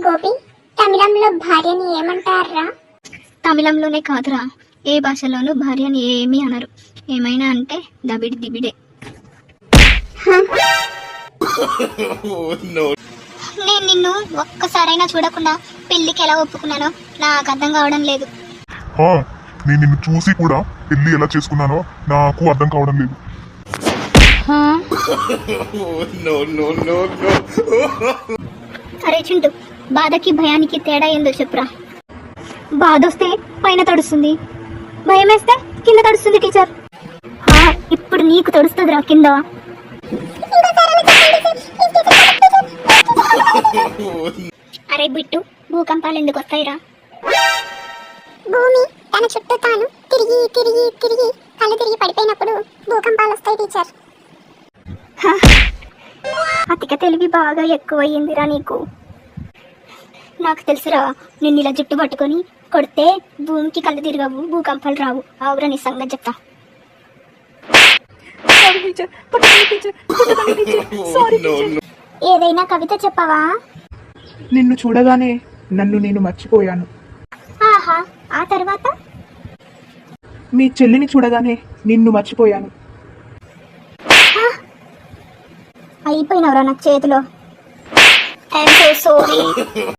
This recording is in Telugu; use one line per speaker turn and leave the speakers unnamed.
గోపి, తమిళంలో భార్యని ఏమంటారా?
తమిళంలోనే కాదురా, ఏ భాషలోనూ భార్యని ఏమీ అనరు. ఏమైనా అంటే దబిడి దిబిడే. నేను నిన్ను ఒక్కసారైనా చూడకుండా పెళ్లికి ఎలా ఒప్పుకున్నానో నాకు అర్థం కావడం లేదు.
నేను నిన్ను చూసి కూడా పెళ్లి ఎలా చేసుకున్నానో నాకు అర్థం కావడం లేదు.
అరే చింటూ, బాధకి భయానికి తేడా ఏందో చెప్పురా. బాధ వస్తే పైన తడుస్తుంది, భయం వేస్తే కింద తడుస్తుంది టీచర్. ఇప్పుడు నీకు తడుస్తుందిరా కింద. అరే బిట్టు, భూకంపాలు ఎందుకు వస్తాయిరా?
భూమి తన చుట్టూ తాను తిరిగి తిరిగి తిరిగి కళ్ళు తిరిగి పడిపోయినప్పుడు భూకంపాలు వస్తాయి టీచర్.
అతిక తెలివి బాగా ఎక్కువయ్యిందిరా నీకు. నాకు తెలుసురా, నిన్ను ఇలా జుట్టు పట్టుకొని కొడితే భూమికి కళ్ళు తిరగవు, భూకంపాలు రావు. ఆవురా నీ సంగతి చెప్తా. ఏదైనా కవిత చెప్పవా?
నిన్ను చూడగానే నన్ను నేను మర్చిపోయాను.
ఆహా, ఆ తర్వాత?
మీ చెల్లిని చూడగానే నిన్ను మర్చిపోయాను.
అయిపోయినవరా నాకు చేతిలో. I'm so sorry.